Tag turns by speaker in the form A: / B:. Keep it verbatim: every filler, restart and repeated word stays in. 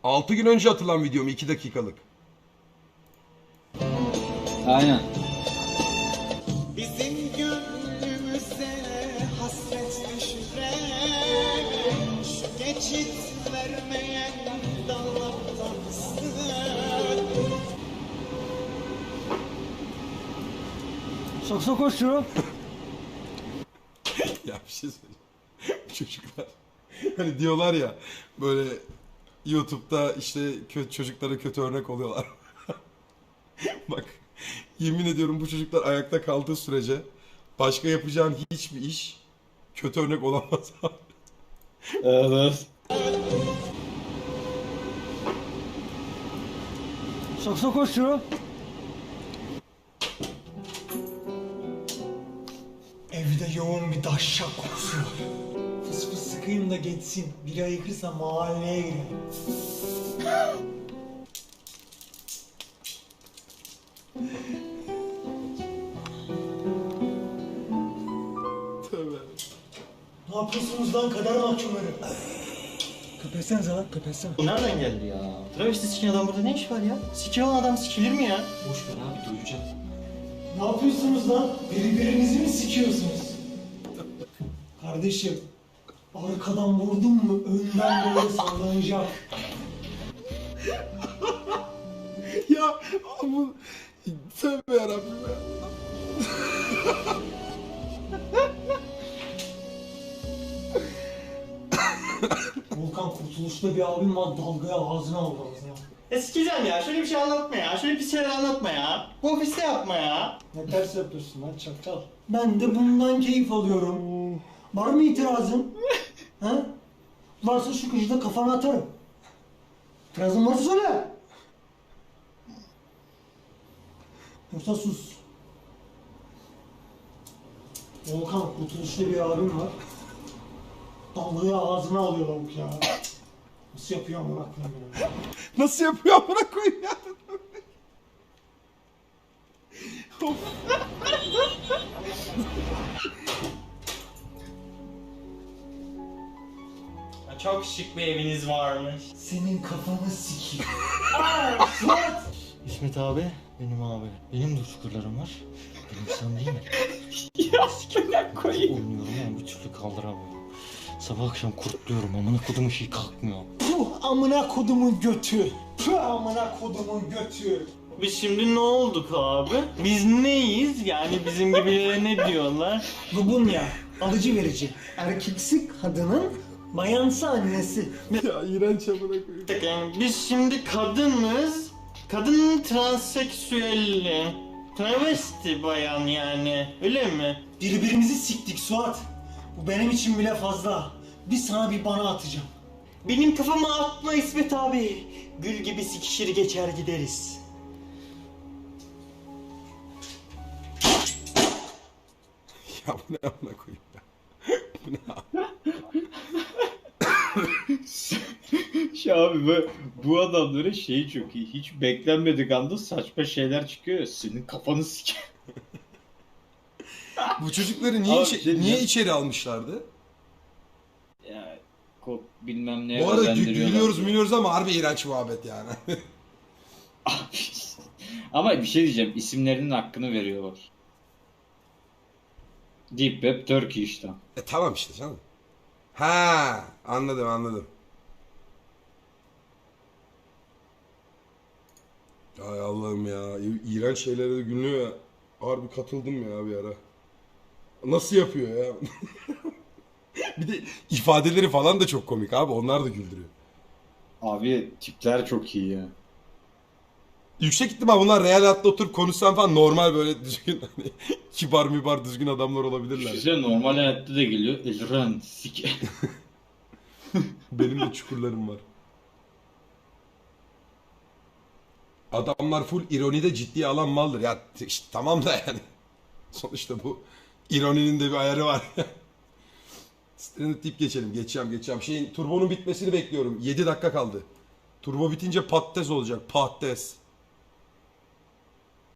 A: altı gün önce atılan videom iki dakikalık.
B: Aynen.
C: Bizim gönlümüze hasret düşüren şu geçit vermeyen dallardansın.
D: Sakso koşuyor.
A: Ya bir şey söyleyeyim. Çocuklar hani diyorlar ya böyle YouTube'da işte kötü çocuklara kötü örnek oluyorlar. Bak yemin ediyorum bu çocuklar ayakta kaldığı sürece başka yapacağın hiçbir iş kötü örnek olamaz abi.
B: Evet.
D: Sakso koşuyor.
C: Evde yoğun bir dahşak kokusu var. Fıs fıs sıkayım da geçsin. Biri ayıkırsa mahalleye girelim.
A: Tövbe.
C: Ne yapıyorsunuz lan kader mahkumları? Köpetsenize lan köpetsene.
E: Nereden geldi ya? Travesti siken adam burada ne iş var ya? Siki olan adam sikilir mi ya?
B: Boş ver abi, duyacağım.
C: Ne yapıyorsunuz lan? Birbirinizi mi sikiyorsunuz? Kardeşim, arkadan vurdun mu önden böyle sallanacak.
A: Ya bu tövbe yarabbim ya.
C: Volkan Kurtuluş'ta bir abim var dalgaya ağzına aldı ağzına.
E: Ya sikeceğim ya. Şöyle bir şey anlatma ya. Şöyle pis şeyler anlatma ya. Bu ofiste yapma ya.
C: Ne ters yapıyorsun lan çakal. Ben de bundan keyif alıyorum. Var mı itirazın? Ha? Varsa şu köşede kafana atarım. İtirazın varsa söyle. Yoksa sus. Volkan Kurtuluş'ta bir abim var. Dalgayı ağzına alıyor lavuk ya. Nasıl yapıyor amına koyayım ya?
A: Nasıl yapıyor amına koyayım ya? Of.
E: Ya çok şık bir eviniz varmış.
C: Senin kafanı sikeyim.
E: İsmet abi, benim abi. Benim de çukurlarım var. Benim sen değil mi?
B: Ya sikimden koyayım.
E: Oynuyorum ama bir türlü kaldıramıyorum. Sabah akşam kurtluyorum. Amına kodumun şey kalkmıyor.
C: Puh amına kodumun götü. Puh amına kodumun götü.
E: Biz şimdi ne olduk abi? Biz neyiz? Yani bizim gibilere ne diyorlar?
C: Lubunya, alıcı verici. Erkeksi kadının bayansı annesi.
A: Ya iğrenç amına koyayım.
E: Yani biz şimdi kadınız. Kadın transseksüelli. Travesti bayan yani. Öyle mi?
C: Birbirimizi siktik Suat. Bu benim için bile fazla. Bir sana bir bana atacağım.
E: Benim kafama atma İsmet abi. Gül gibi sikişir geçer gideriz.
A: Ya bu ne amına koyayım ya? Bu ne abi?
B: Şu abi bu, bu adamların şeyi çok iyi. Hiç beklenmedik anda saçma şeyler çıkıyor ya. Senin kafanı sik.
A: Bu çocukları niye,
B: Abi
A: içe-
B: bir şey
A: niye
B: diyeceğim.
A: içeri almışlardı?
B: Ya kok bilmem ne
A: Bu arada gü-
B: özendiriyorlar
A: gülüyoruz
B: diye.
A: gülüyoruz ama harbi iğrenç muhabbet yani.
B: Ama bir şey diyeceğim. İsimlerinin hakkını veriyorlar. Deep Web Turkey işte.
A: E tamam işte canım. Ha anladım anladım. Ay Allah'ım ya. İ- İğrenç şeylere de gülüyor ya. Harbi katıldım ya bir ara. Nasıl yapıyor ya? Bir de ifadeleri falan da çok komik abi. Onlar da güldürüyor.
B: Abi tipler çok iyi ya.
A: Yüksek ihtimal bunlar real hayatta oturup konuşsan falan normal böyle düzgün hani kibar mibar düzgün adamlar olabilirler.
B: Size normal hayatta da geliyor. Elran sik.
A: Benim de çukurlarım var. Adamlar full ironide ciddiye alan maldır. Ya t- işte, tamam da yani. Sonuçta bu ironinin de bir ayarı var. Stranded deyip geçelim. Geçeceğim geçeceğim. Şeyin turbonun bitmesini bekliyorum. yedi dakika kaldı. Turbo bitince patates olacak. Patates.